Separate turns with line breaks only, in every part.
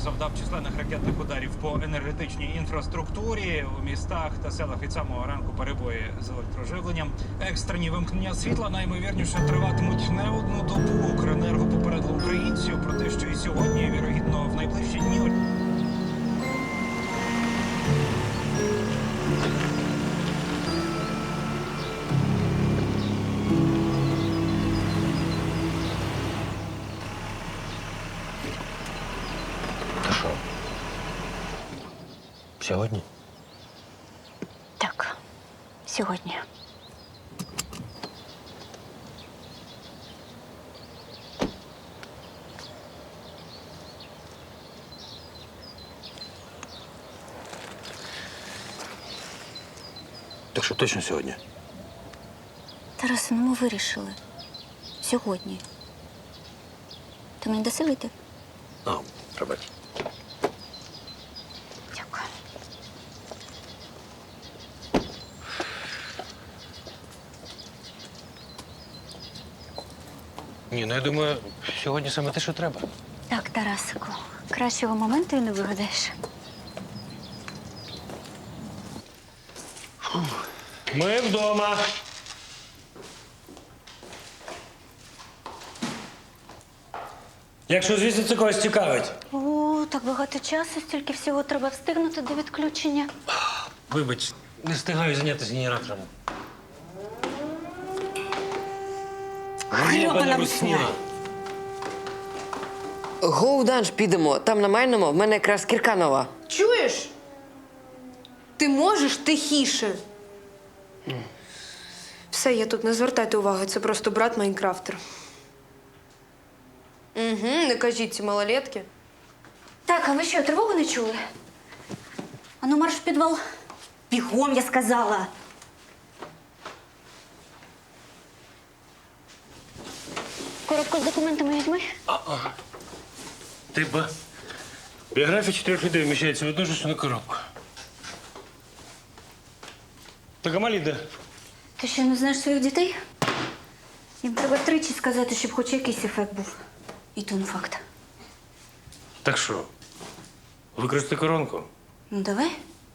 завдав численних ракетних ударів по енергетичній інфраструктурі. У містах та селах від самого ранку перебої з електроживленням. Екстрені вимкнення світла наймовірніше триватимуть не одну добу. Укренерго попередило українців про те, що і сьогодні, і, вірогідно, в найближчі дні.
Та що? Сьогодні?
Так, сьогодні.
Так що точно сьогодні?
Тарасе, ну ми вирішили. Сьогодні. Ти мені даси вийти?
А, пробач.
Дякую.
Ні, ну я думаю, сьогодні саме те, що треба.
Так, Тарасику, кращого моменту і не вигадаєш.
Ми вдома. Якщо, звісно, це когось цікавить.
О, так багато часу, стільки всього треба встигнути до відключення.
Вибач, не встигаю зайнятися генератором.
Грьобана русня.
Гоу-данж підемо. Там на майному в мене якраз кірка нова.
Чуєш? Ти можеш тихіше. Все, я тут не звертайте уваги, це просто брат Майнкрафтер. Угу, не кажіть ці малолетки.
Так, а ви що, тривогу не чули? Ану, марш в підвал. Бігом, я сказала. Коробку з документами візьми.
Типа, біографія 4 людей вміщається в одну ж коробку. Так а малі де?
Ти що, не знаєш своїх дітей? Їм треба тричі сказати, щоб хоч якийсь ефект був. І то не факт.
Так що, використати коронку?
Ну, давай.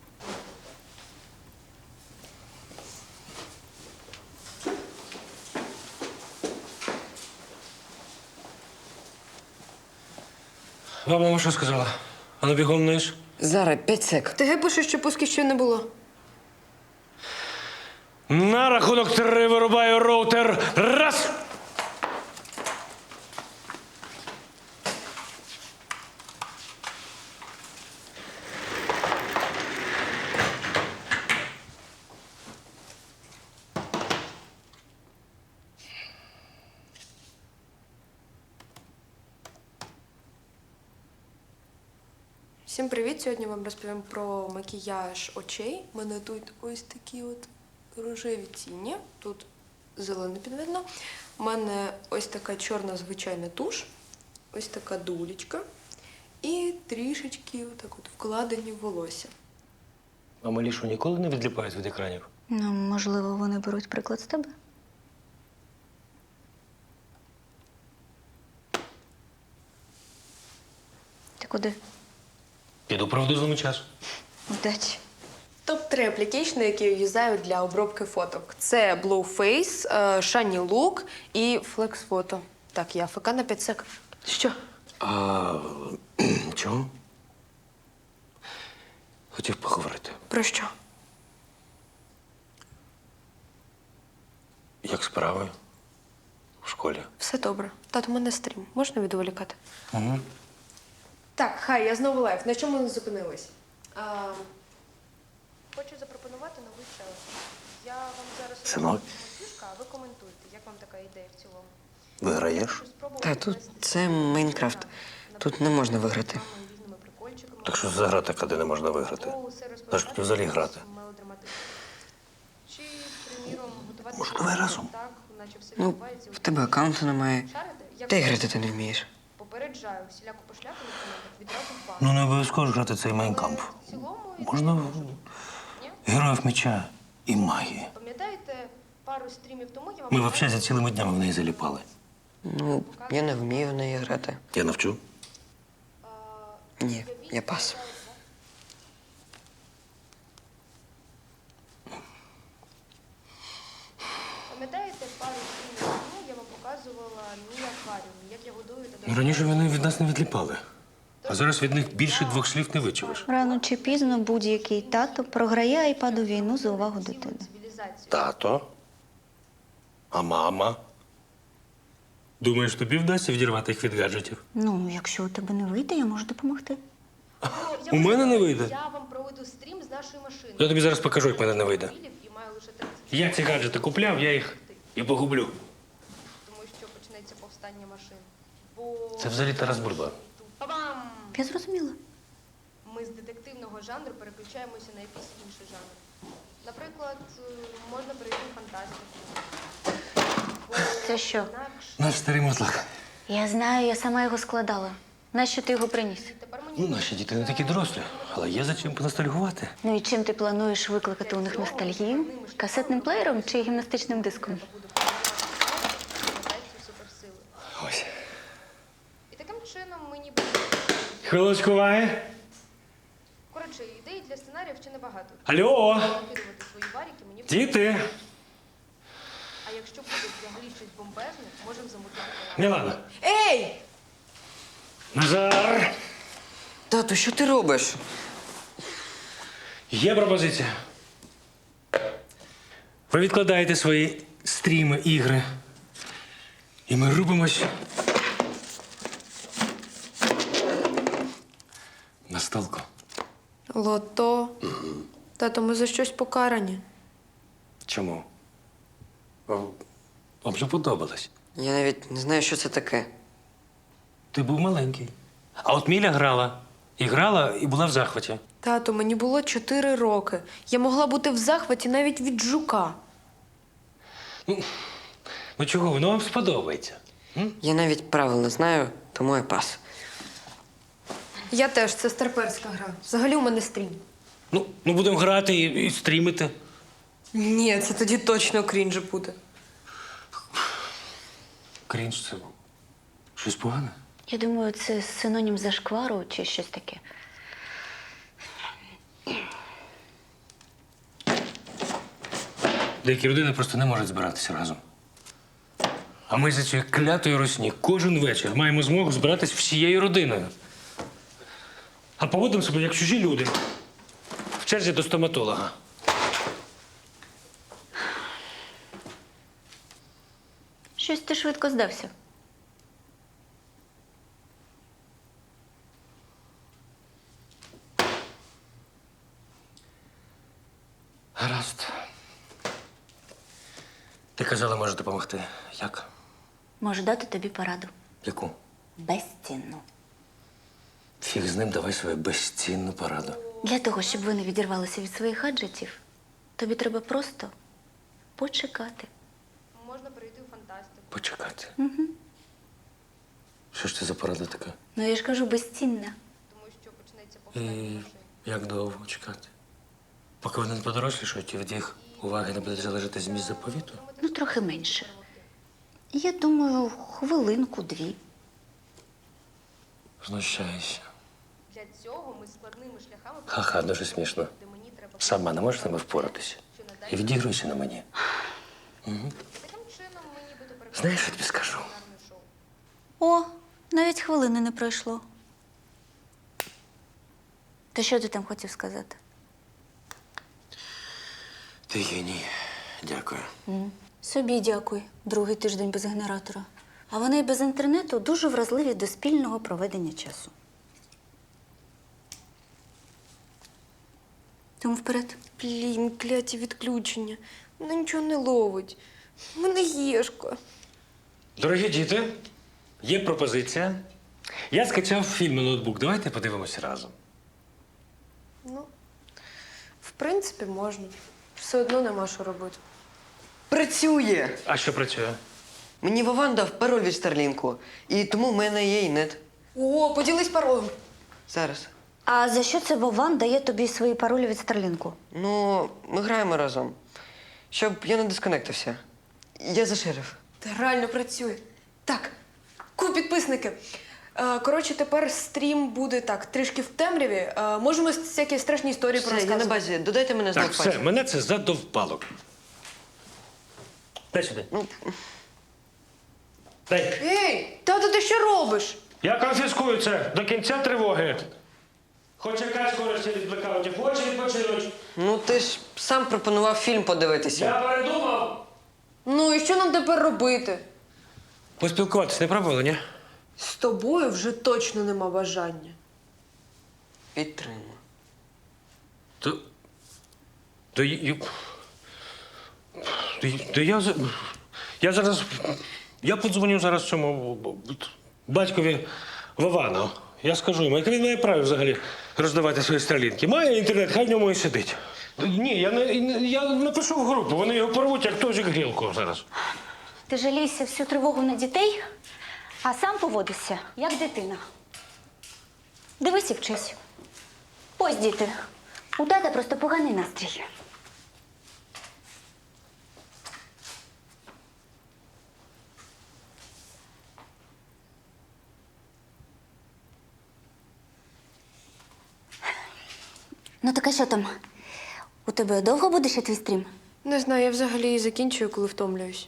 Вам мама що сказала? А ну бігом вниз.
Зараз 5 сек.
ТГ пише, що пусків ще не було.
На рахунок 3 вирубаю роутер. Раз!
Всім привіт! Сьогодні вам розповім про макіяж очей. У мене тут ось такі от рожеві тіні. Тут зелене підведено. У мене ось така чорна звичайна туш, ось така дулечка і трішечки отак от вкладені в волосся.
А малі що, ніколи не відліпають від екранів?
Ну, можливо, вони беруть приклад з тебе. Ти куди?
Піду правду злому часу.
Удачі.
Топ-3 аплікейшни, які я юзаю для обробки фоток. Це Blueface, Shiny Look і Flex Photo. Так, я АФК на 5 сек. Що?
А чого? Хотів поговорити.
Про що?
Як справи? В школі?
Все добре. Тато, у мене стрім. Можна відволікати?
Угу.
Так, хай, я знову лайв. На чому ми зупинились? Хочу запропонувати новий челендж. Я вам зараз
Синок?
фішка, а ви коментуйте. Як вам така ідея в цілому?
Виграєш?
Та тут це Майнкрафт. Тут не можна виграти.
Так що за гра така, де не можна виграти? На що тут взагалі грати?
Чи, приміром, готувати
Може, давай разом?
так, наче все
Ну,
відбувається
в тебе аккаунту немає.
Шарите? Як
Та й грати ти не вмієш.
попереджаю, всіляку пошляку на коментах відразу в бан.
Ну, не обов'язково ж грати цей майнкамп.
В цілому,
Можна героїв меча і магії.
пам'ятаєте, пару стрімів тому я вам...
Ми взагалі за цілими днями в неї заліпали.
Ну, я не вмію в неї грати.
Я навчу.
Ні, я пас.
Пам'ятаєте, пару днів тому я вам показувала мій акваріум, як я годую та
Ну, раніше вони від нас не відліпали. А зараз від них більше 2 слів не вичуєш.
Рано чи пізно будь-який тато програє айпаду війну за увагу дитини.
цивілізацію.
Тато? А мама? Думаєш, тобі вдасться відірвати їх від гаджетів?
Ну, якщо у тебе не вийде, я можу допомогти.
У мене не вийде.
Я вам проведу стрім з нашої машини.
Я тобі зараз покажу, як в мене не вийде.
І маю лише 30
Я ці гаджети купляв, я їх і погублю.
тому що почнеться повстання машин. Бо
Це взагалі Тарас Бульба.
Па-бам!
Я зрозуміла.
Ми з детективного жанру переключаємося на якийсь інший жанр. Наприклад, можна перейти в фантастику. Бо
Це що?
інакше
Наш старий мотлак.
Я знаю, я сама його складала. Нащо ти його приніс?
тепер мені
Ну, наші діти не такі дорослі, але є за чим поностальгувати.
Ну і чим ти плануєш викликати у них ностальгію? Касетним плеєром чи гімнастичним диском?
буде формувати суперсили.
Ось.
І таким чином ми ніби...
Хвилочку уваги.
Коротше, ідей для сценаріїв ще небагато.
Алло!
Накидувати свої варіки мені...
Діти!
А якщо буде взагалі щось бомбезне, можемо замутити.
Мілана!
Ей!
Назар!
Тату, що ти робиш?
Є пропозиція. Ви відкладаєте свої стріми, ігри. І ми рубимось на столку.
Лото. Тато, ми за щось покарані.
Чому? Вам же подобалось.
Я навіть не знаю, що це таке.
Ти був маленький. А от Міля грала. І грала, і була в захваті.
Тато, мені було 4 роки. Я могла бути в захваті навіть від жука.
Ну чого, воно вам сподобається?
Я навіть правил не знаю, тому я пас.
Я теж, це старперська гра. Взагалі у мене стрім.
Ну будемо грати і стрімити.
Ні, це тоді точно крінж буде.
Крінж це щось погане?
Я думаю, це синонім зашквару чи щось таке.
Деякі родини просто не можуть збиратися разом. А ми за цією клятою русні кожен вечір маємо змогу збиратись всією родиною. А поводимо себе як чужі люди. В черзі до стоматолога.
Щось ти швидко здався.
Гаразд. Ти казала, може допомогти. Як?
Можу дати тобі пораду.
Яку?
Безцінну.
Фіг з ним, давай свою безцінну пораду.
Для того, щоб ви не відірвалися від своїх гаджетів, тобі треба просто почекати.
Можна перейти в фантастику.
Почекати. Що ж це за порада така?
Ну, я ж кажу, безцінна.
Тому що почнеться повстання
І
машин.
як довго чекати? Поки вони не подорослішають і від їх уваги не буде залежати зміст заповіту?
Ну, трохи менше. Я думаю, хвилинку-дві.
Знущаюся.
Для цього ми складними шляхами...
Ха-ха, дуже смішно.
Де мені треба...
Сама не можеш з ними впоратися. І відігруйся на мені.
Таким чином ми нібито переходимо
Знаєш, що тобі скажу?
на кулінарне шоу.
О, навіть хвилини не пройшло. То що ти там хотів сказати?
Ти геній. Дякую.
Собі дякуй. Другий тиждень без генератора. А вони й без інтернету дуже вразливі до спільного проведення часу. Тому вперед.
Блін, кляті відключення. Вона нічого не ловить. У мене єшка.
Дорогі діти, є пропозиція. Я скачав фільм на ноутбук. Давайте подивимося разом.
Ну, в принципі, можна. Все одно нема що робити.
Працює!
А що працює?
Мені Вован дав пароль від Старлінку, і тому в мене є і нет.
О, поділись паролем.
Зараз.
А за що це Вован дає тобі свої паролі від Старлінку?
Ну, ми граємо разом. Щоб я не дисконектився. Я за шериф.
Та реально працює. Так, підписники. Коротше, тепер стрім буде так, трішки в темряві. Можемо всякі страшні історії
Все, я на
порозказувати.
базі. Додайте мене
Так,
знов
все,
паті.
мене це задовпало. Дай сюди. Дай.
Ей, тато, ти що робиш?
Я конфіскую це до кінця тривоги. Хоч якась користь від блекаутів, хоче відпочинуть.
Ну ти ж сам пропонував фільм подивитися.
Я передумав.
Ну і що нам тепер робити?
Поспілкуватись не пробували, ні?
З тобою вже точно нема бажання.
Підтримую.
То... То, я- то я зараз... Я подзвоню зараз цьому батькові Вовану. Я скажу йому, яке він має право взагалі роздавати свої стрілінки. Має інтернет, хай в ньому і сидить. Ні, я напишу в групу, вони його порвуть, як тожик грілку зараз.
Ти жалійся всю тривогу на дітей, а сам поводишся, як дитина. Дивись і вчись. Ось, діти, у тата просто поганий настрій. Ну, так а що там? У тебе довго буде ще твій стрім?
Не знаю, я взагалі закінчую, коли втомлююсь.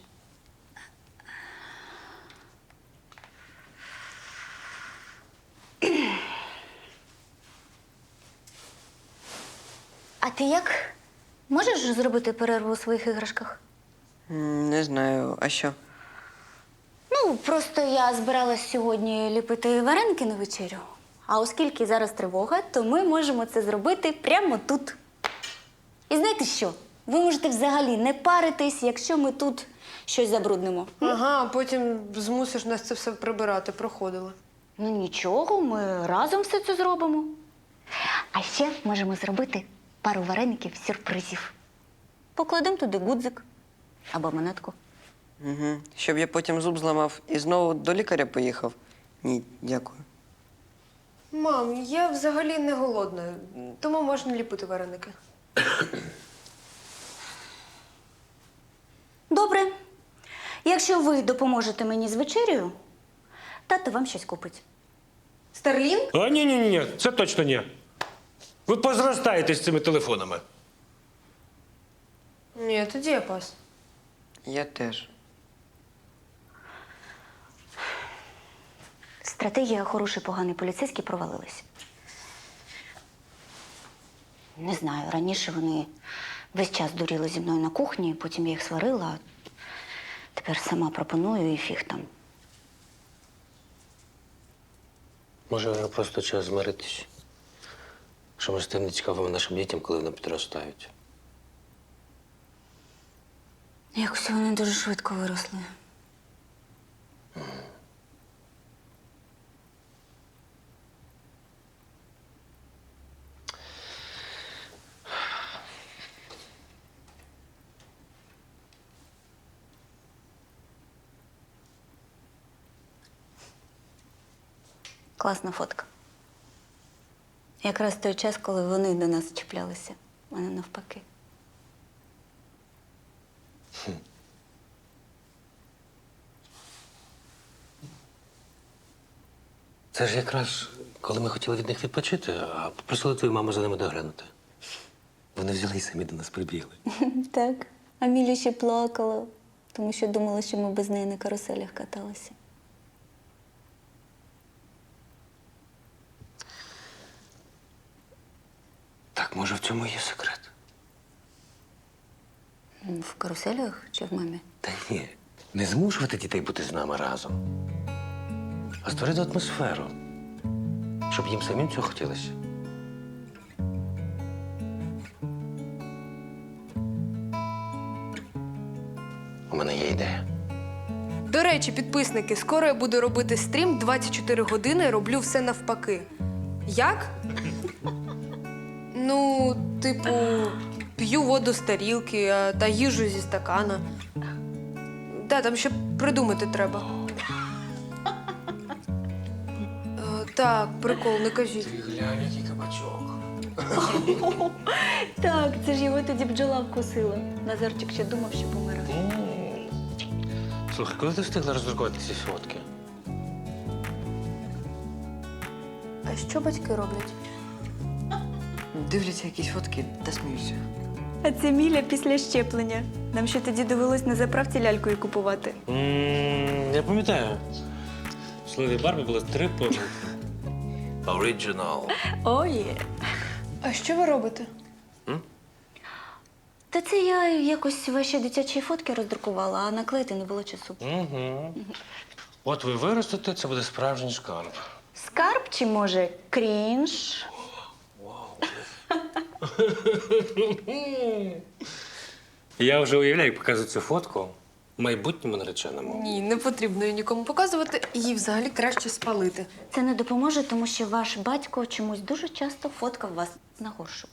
А ти як? Можеш зробити перерву у своїх іграшках?
Не знаю, а що?
Ну, просто я збиралась сьогодні ліпити вареники на вечерю. А оскільки зараз тривога, то ми можемо це зробити прямо тут. І знаєте що? Ви можете взагалі не паритись, якщо ми тут щось забруднимо.
Ага, а потім змусиш нас це все прибирати, проходили.
Ну нічого, ми разом все це зробимо. А ще можемо зробити пару вареників сюрпризів. Покладемо туди гудзик або монетку.
Угу. Щоб я потім зуб зламав і знову до лікаря поїхав? Ні, дякую.
Мам, я взагалі не голодна, тому можна ліпити вареники.
Добре. Якщо ви допоможете мені з вечерею, тато вам щось купить.
Старлінг?
А ні, це точно ні. Ви позростаєте з цими телефонами.
Ні, тоді я пас.
Я теж.
Стратегія хороший, поганий поліцейський провалилась. Не знаю, раніше вони весь час дуріли зі мною на кухні, потім я їх сварила, а тепер сама пропоную і фіг там.
Може, вже просто час змиритись. Що ми стане цікавими нашим дітям, коли вони підростають.
Якось вони дуже швидко виросли. Класна фотка. Якраз той час, коли вони до нас чіплялися, а не навпаки.
Це ж якраз, коли ми хотіли від них відпочити, а попросили твою маму за ними доглянути. Вони взяли і самі до нас прибігли.
Так. А Міля ще плакала, тому що думала, що ми без неї на каруселях каталися.
Так, може, в цьому є секрет?
В каруселях чи в мамі?
Та ні, не змушувати дітей бути з нами разом, а створити атмосферу, щоб їм самим цього хотілося. У мене є ідея.
До речі, підписники, скоро я буду робити стрім 24 години, роблю все навпаки. Як? Ну, типу, п'ю воду з тарілки та їжу зі стакана. Да, там ще придумати треба. Так, прикол, не кажіть.
Глянь, який кабачок.
Так, це ж його тоді бджола вкусила. Назарчик ще думав, що помирає.
Слухай, коли ти встигла роздрукувати ці фотки?
А що батьки роблять?
Дивляться якісь фотки та сміються.
А це Міля після щеплення. Нам ще тоді довелось на заправці лялькою купувати.
Я пам'ятаю. В слові Барбі було 3 помилки.
Original.
Ой.
А що ви робите?
Та це я якось ваші дитячі фотки роздрукувала, а наклеїти не було часу.
От ви виростете, це буде справжній шкарб.
Скарб чи, може, крінж?
Я вже уявляю, як показую цю фотку майбутньому нареченому.
Ні, не потрібно її нікому показувати. Її взагалі краще спалити.
Це не допоможе, тому що ваш батько чомусь дуже часто фоткав вас на горшу.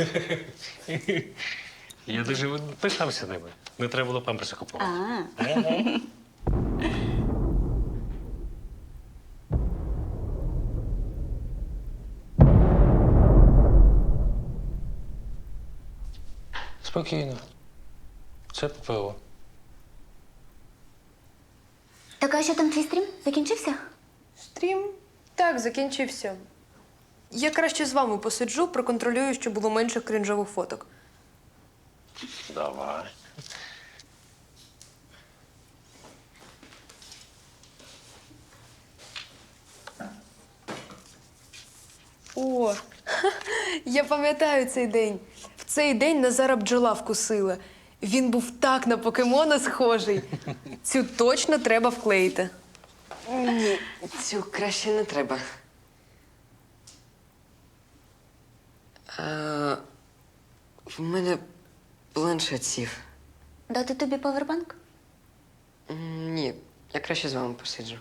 Я дуже пишався ними. Не треба було памперси купувати. Спокійно. Це ППО.
Так, а що там твій стрім? Закінчився?
Стрім? Так, закінчився. Я краще з вами посиджу, проконтролюю, щоб було менше крінжових фоток.
Давай.
О, я пам'ятаю цей день. В цей день Назара бджола вкусила. Він був так на покемона схожий. Цю точно треба вклеїти.
Ні, цю краще не треба. В мене планшет сів.
Дати тобі павербанк?
Ні, я краще з вами посиджу.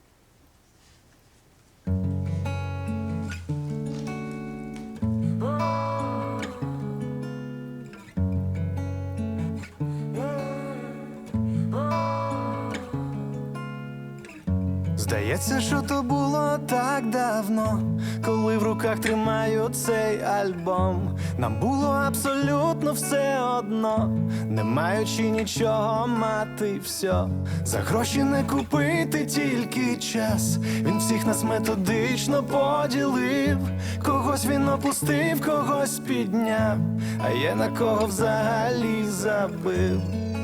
Здається, що то було так давно, коли в руках тримаю цей альбом. Нам було абсолютно все одно, не маючи нічого мати все. За гроші не купити тільки час. Він всіх нас методично поділив. Когось він опустив, когось підняв, а є на кого взагалі забив.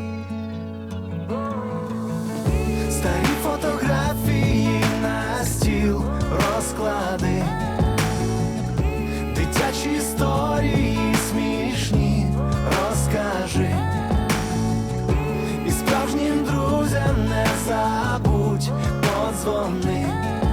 Старі фотографії на стіл розклади, дитячі історії смішні розкажи. І справжнім друзям не забудь подзвони,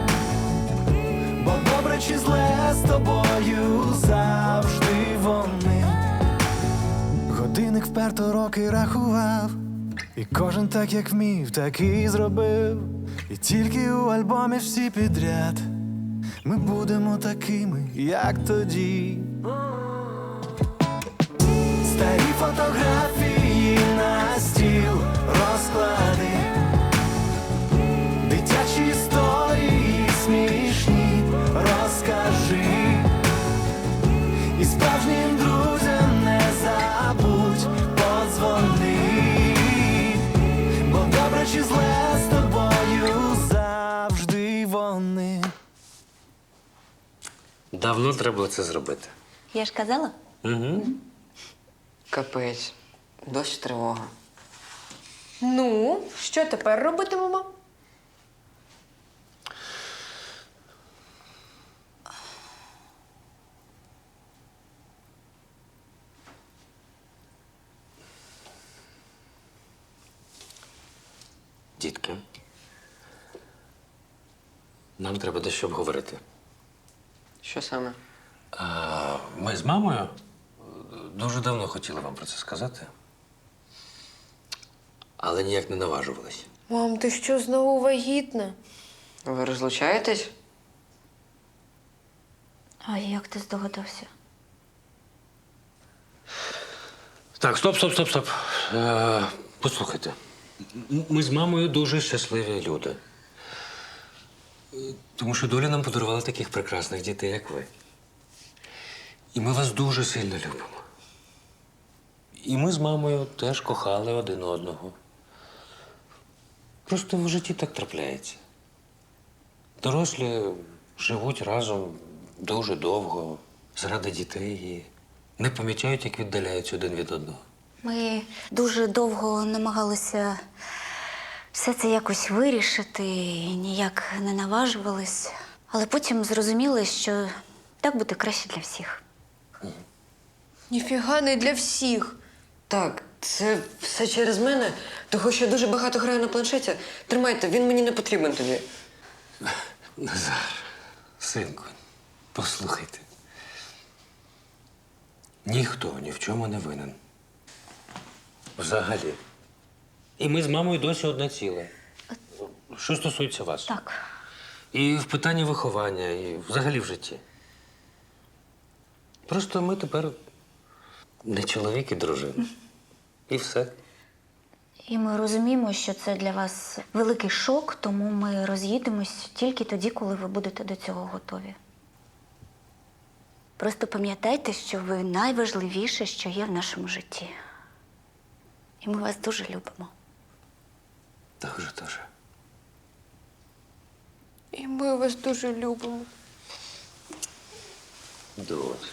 бо добре чи зле з тобою завжди вони. Годинник вперто роки рахував, і кожен так, як вмів, так і зробив. І тільки у альбомі всі підряд ми будемо такими, як тоді. Старі фотографії на стіл розклади, дитячі історії смішні розкажи. І справжнім друзям не забудь подзвони, бо добре чи зле з тобою завжди вони.
Давно треба було це зробити.
Я ж казала?
Капець, досі тривога.
Ну, що тепер робитимемо?
Дітки, нам треба дещо обговорити.
Що саме?
Ми з мамою дуже давно хотіли вам про це сказати, але ніяк не наважувались.
Мам, ти що, знову вагітна?
Ви розлучаєтесь?
А як ти здогадався?
Так, стоп. Послухайте. Ми з мамою дуже щасливі люди. Тому що доля нам подарувала таких прекрасних дітей, як ви. І ми вас дуже сильно любимо. І ми з мамою теж кохали один одного. Просто в житті так трапляється. Дорослі живуть разом дуже довго, заради дітей і не помічають, як віддаляються один від одного.
Ми дуже довго намагалися все це якось вирішити, і ніяк не наважувались. Але потім зрозуміли, що так буде краще для всіх.
Ніфіга не для всіх.
Так, це все через мене, того що я дуже багато граю на планшеті. Тримайте, він мені не потрібен тобі.
Назар, синку, послухайте. Ніхто ні в чому не винен. Взагалі. І ми з мамою досі одне ціле. Що стосується вас.
Так.
І в питанні виховання, і взагалі в житті. Просто ми тепер не чоловік і дружина. І все.
І ми розуміємо, що це для вас великий шок, тому ми роз'їдемось тільки тоді, коли ви будете до цього готові. Просто пам'ятайте, що ви найважливіше, що є в нашому житті. І ми вас дуже любимо.
Дуже.
І ми вас дуже любимо.
Дуже.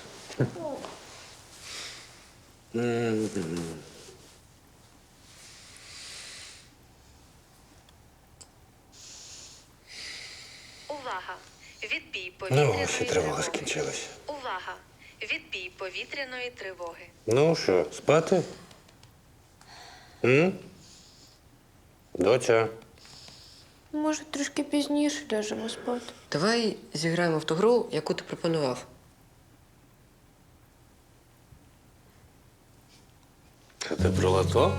Увага! Відбій повітряної
Ну, ще тривога
тривоги.
скінчилася.
Увага! Відбій повітряної тривоги.
Ну що, спати? Доця.
Може, трішки пізніше ляжемо спати.
Давай зіграємо в ту гру, яку ти пропонував.
Це ти про лото?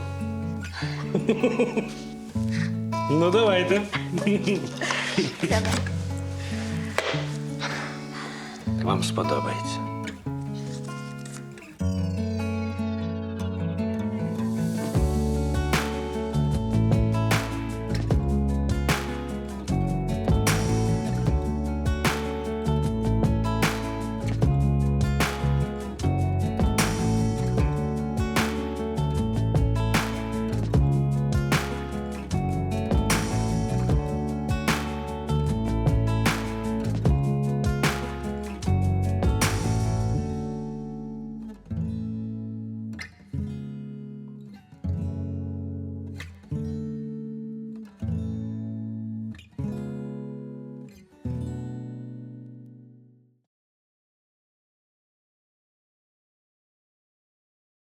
Ну, давайте.
Давай.
Вам сподобається.